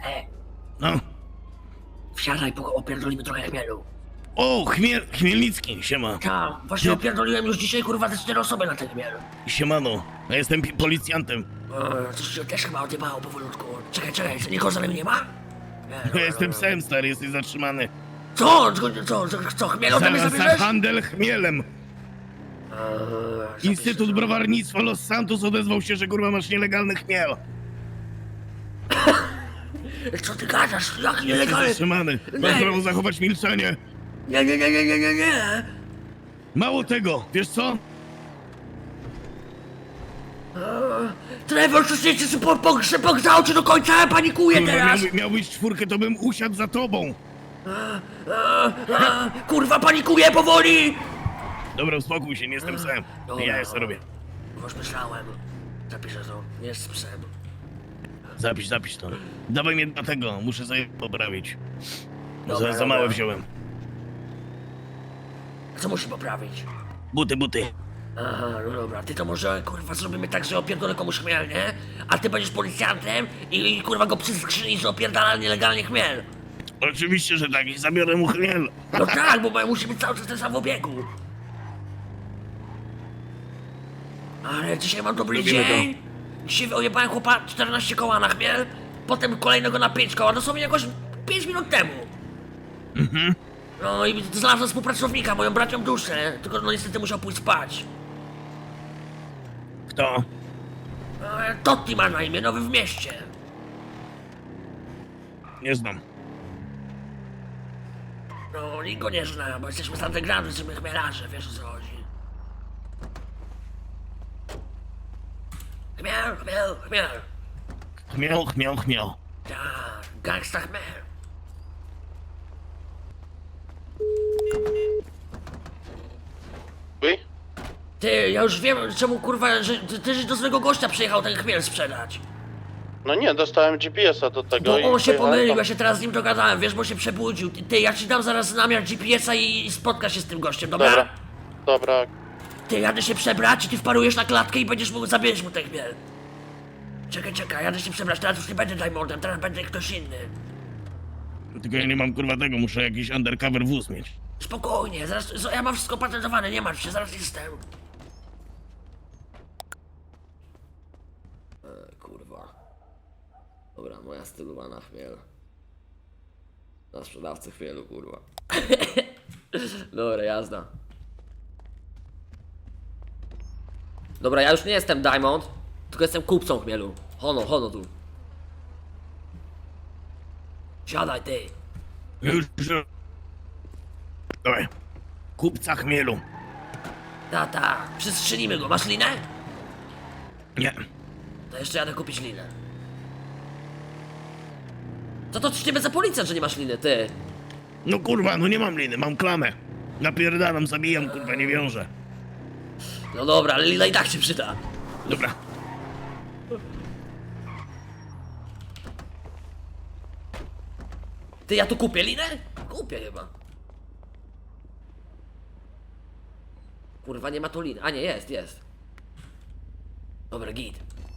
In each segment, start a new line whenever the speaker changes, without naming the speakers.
No.
Wsiadaj, opierdolimy trochę chmielu.
O, Chmielnicki, siema.
Tak, właśnie opierdoliłem już dzisiaj, kurwa, ze 4 osoby na ten chmiel.
Siemano, ja jestem policjantem.
Coś się też chyba odjebało powolutku. Czekaj, nikogo za nami nie ma? Nie,
Ja jestem psem, stary, jesteś zatrzymany.
Co, chmiel ode mnie
Za
zabierzesz?
handel chmielem. Instytut Browarnictwa Los Santos odezwał się, że kurwa masz nielegalny chmiel.
Co ty gadasz? Jak
Jesteś
nielegalny?
zatrzymany. Masz prawo zachować milczenie.
Nie.
Mało tego, wiesz co?
Trevor, coś nie chce pogrzał cię do końca, ja panikuję
Kurwa,
teraz!
miałbyś 4, to bym usiadł za tobą.
Kurwa, panikuję powoli!
Dobra, uspokój się, nie jestem psem.
Dobra.
Ja jeszcze robię.
Już myślałem. Zapiszę to. Jest psem.
Zapisz to. Dawaj mnie do tego, muszę sobie poprawić.
Dobra,
Za małe
dobra.
wziąłem.
Co musi poprawić?
Buty.
Aha, no dobra. Ty to może, kurwa, zrobimy tak, że opierdolę komuś chmiel, nie? A ty będziesz policjantem i kurwa go przy skrzyni, że opierdala nielegalnie chmiel.
Oczywiście, że tak, i zabiorę mu chmiel.
No tak, bo musi być cały czas ten sam w obiegu. Ale dzisiaj mam dobry
Robimy
dzień. Dzisiaj ojebałem chłopa 14 koła na chmiel, potem kolejnego na 5 koła, dosłownie jakoś 5 minut temu. No i znalazłem współpracownika, moją bracią duszę, tylko no niestety musiał pójść spać.
Kto?
Totti ma na imię, nowy w mieście.
Nie znam.
No, nikt go nie zna, bo jesteśmy z undergroundu, jesteśmy chmielarze, wiesz o co chodzi. Chmiel.
Chmiel.
Tak, gangsta chmiel.
Wy?
Ty, ja już wiem, czemu kurwa, że ty do złego gościa przyjechał ten chmiel sprzedać.
No nie, dostałem GPS-a do tego
Bo
i
on się
pojechałem
pomylił,
tam.
ja się teraz z nim dogadałem, wiesz, bo się przebudził. Ty, ja ci dam zaraz namiar GPS-a i spotka się z tym gościem, dobra?
Dobra.
Ty, jadę się przebrać i ty wparujesz na klatkę i będziesz mógł zabierz mu ten chmiel. Czekaj, jadę się przebrać, teraz już nie będę Diamondem, teraz będę ktoś inny.
Tylko ja nie mam kurwa tego, muszę jakiś undercover wóz mieć.
Spokojnie, zaraz, ja mam wszystko patentowane, nie martw się, zaraz jestem. Kurwa. Dobra, moja stylowana chmiel. Na sprzedawcę chmielu, kurwa. Dobra, jazda. Dobra, ja już nie jestem Diamond, tylko jestem kupcą chmielu. Hono tu. Siadaj, ty.
Już. Dawaj. Kupca chmielu.
Tata, przystrzelimy go, masz linę?
Nie.
To jeszcze jadę kupić linę. Co to ciebie za policjant, że nie masz liny, ty?
No kurwa, no nie mam liny, mam klamę. Napierdalam, zabijam, kurwa, nie wiążę.
No dobra, ale lina i tak się przyda.
Dobra.
Ty, ja tu kupię linę? Kupię chyba. Kurwa, nie ma tu liny. A nie, jest. Dobra, git.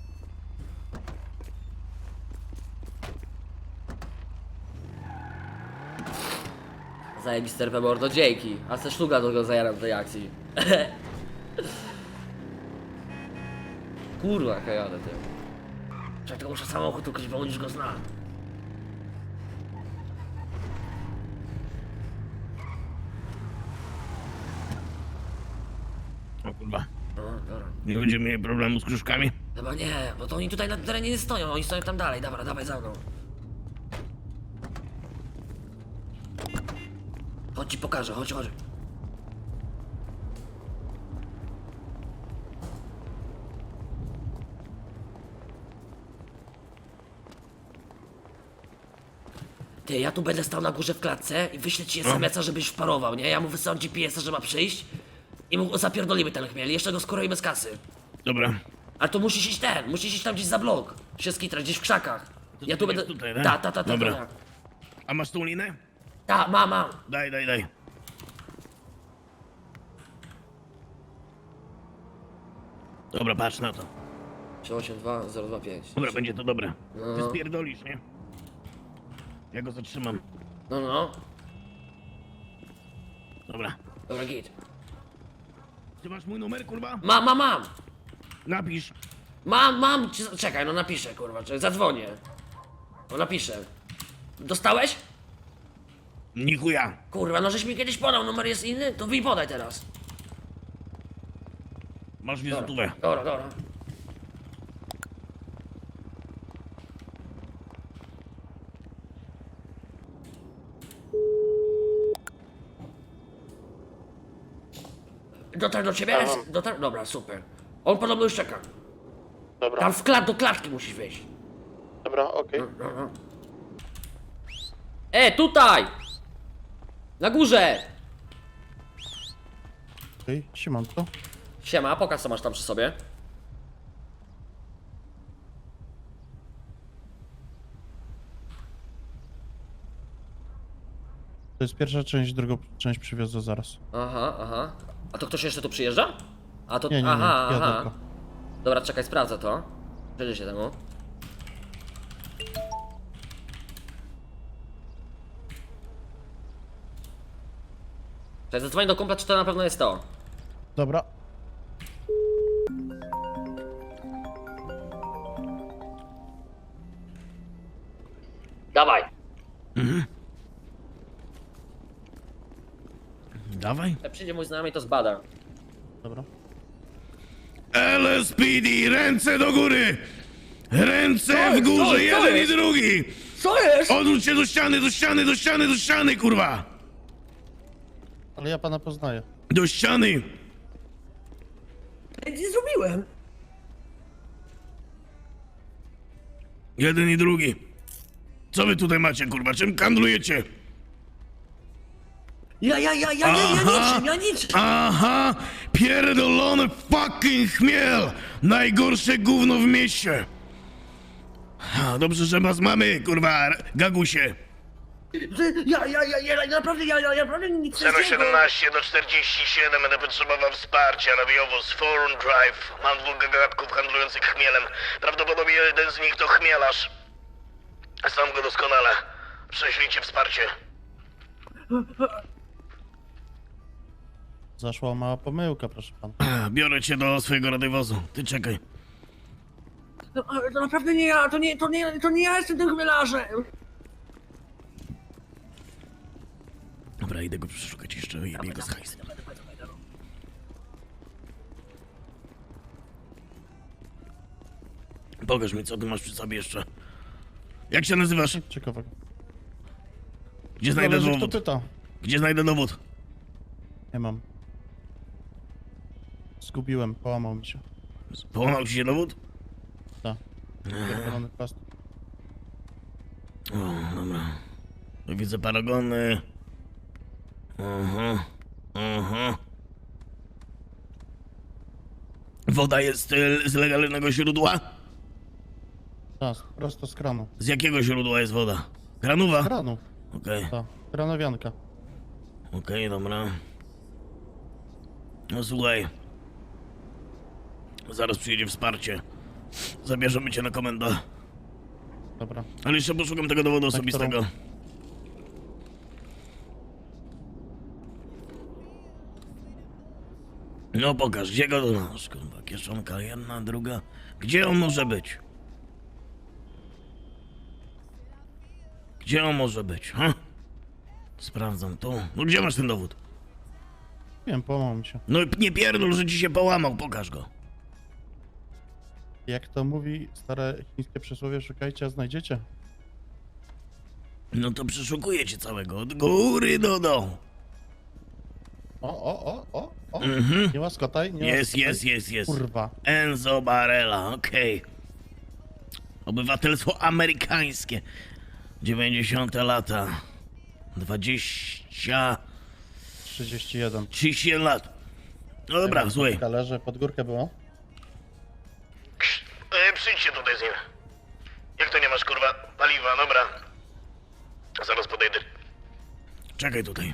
Zajebiste mordo, dzięki. A se szluga do go zajaram w tej akcji. Kurwa, jaka jadę, ty. Czekaj, tylko muszę samochód ukryć, bo on już go zna.
O kurwa.
No, dobra.
Nie będziemy mieli problemu z krzyżkami?
Chyba nie, bo to oni tutaj na terenie nie stoją, oni stoją tam dalej. Dobra, dawaj za mną. Chodź ci pokażę, chodź. Ty, ja tu będę stał na górze w klatce i wyślę ci SMS-a, żebyś wparował, nie? Ja mu wysyłam GPS-a, że ma przyjść i mu zapierdolimy ten chmiel, jeszcze go skoroimy z kasy.
Dobra.
Ale to musisz iść tam gdzieś za blok, się skitrać, gdzieś w krzakach.
To
Ja tu
jest
będę...
tutaj, tak?
Ta.
Dobra. A masz tą linę?
Ta, mam.
Daj. Dobra, patrz na to.
382 025.
Dobra, będzie to dobre.
No.
Ty spierdolisz, nie? Ja go zatrzymam.
No, no.
Dobra.
Dobra, git.
Ty masz mój numer, kurwa?
Mam.
Napisz.
Mam. Czekaj, no napiszę, kurwa, czekaj, zadzwonię. No napiszę. Dostałeś?
Ni chuja.
Kurwa, no żeś mi kiedyś podał, numer jest inny? To mi podaj teraz.
Masz wizytówę.
Dobra. Dotarł do ciebie?
Aha.
Dotarł? Dobra, super. On podobno już czeka.
Dobra,
Tam do klatki musisz wejść.
dobra, okej.
No. Tutaj! Na górze!
Okej, siemanko.
Siema, pokaż co masz tam przy sobie.
To jest pierwsza część, drugą część przywiozę zaraz.
Aha. A to ktoś jeszcze tu przyjeżdża? A to...
Nie,
aha.
ja tylko.
Dobra, czekaj, sprawdzę to. Przyjdzie się temu. Czekaj, zadzwoń do kumpla, czy to na pewno jest to.
Dobra.
Dawaj.
Dawaj.
Jak przyjdzie mój znajomy, to zbada.
Dobra.
LSPD, ręce do góry! Ręce
Co
w górze,
jest? Co
jeden i
jest?
drugi!
Co jest?
Odwróć się do ściany, kurwa!
Ale ja pana poznaję.
Do ściany!
Nic nie zrobiłem.
Jeden i drugi. Co wy tutaj macie, kurwa? Czym handlujecie?
Ja niczym.
Aha! Pierdolony fucking chmiel! Najgorsze gówno w mieście! Dobrze, że was mamy, kurwa, gagusie.
Ja naprawdę nic nie
017 do 47 będę potrzebował wsparcia na wywóz Forum Drive. Mam dwóch gagatków handlujących chmielem. Prawdopodobnie jeden z nich to chmielarz. Znam go doskonale. Prześlijcie wsparcie.
Zaszła mała pomyłka, proszę pana.
Biorę cię do swojego radiowozu. Ty czekaj.
To naprawdę nie ja, to nie ja jestem tym chmielarzem.
Dobra, idę go przeszukać jeszcze i jebie go z hajsem. Pokaż mi, co ty masz przy sobie jeszcze. Jak się nazywasz?
Ciekawego.
Gdzie znajdę
Zależy, kto
dowód?
pyta.
Gdzie znajdę dowód?
Nie mam. Zgubiłem, połamał mi się.
Połamał ci się dowód?
Tak. Pierdolony plast.
O, dobra. Tu widzę paragony. Aha. Woda jest z legalnego źródła?
Tak, prosto z kranu.
Z jakiego źródła jest woda? Kranowa?
Kranu.
Okej,
Tak. Kranowianka.
okej, dobra. No słuchaj. Zaraz przyjedzie wsparcie. Zabierzemy cię na komendę.
Dobra.
Ale jeszcze poszukam tego dowodu osobistego. No pokaż, gdzie go tu masz, kurwa, kieszonka jedna, druga. Gdzie on może być? Gdzie on może być, ha? Sprawdzam tu. No gdzie masz ten dowód?
Wiem, połamał mi się.
No nie pierdol, że ci się połamał, pokaż go.
Jak to mówi stare chińskie przysłowie, szukajcie, a znajdziecie.
No to przeszukuję cię całego, od góry do dołu.
O.
Mhm.
Nie łaskotaj, nie
Jest.
łaskotaj. Kurwa.
Enzo Barella, okej. Obywatelstwo amerykańskie. 90 lata.
31.
31 lat. No dobra, słuchaj.
Leży, pod górkę było.
Przyjdźcie tutaj z nim. Jak to nie masz, kurwa, paliwa, dobra. Zaraz podejdę. Czekaj tutaj.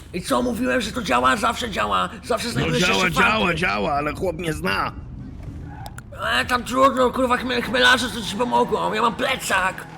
I co, mówiłem, że to działa? Zawsze działa. Zawsze
No
znajdujesz jeszcze fanty.
działa, ale chłop mnie zna.
Tam trudno, kurwa, chmielarze co ci pomogą. Ja mam plecak.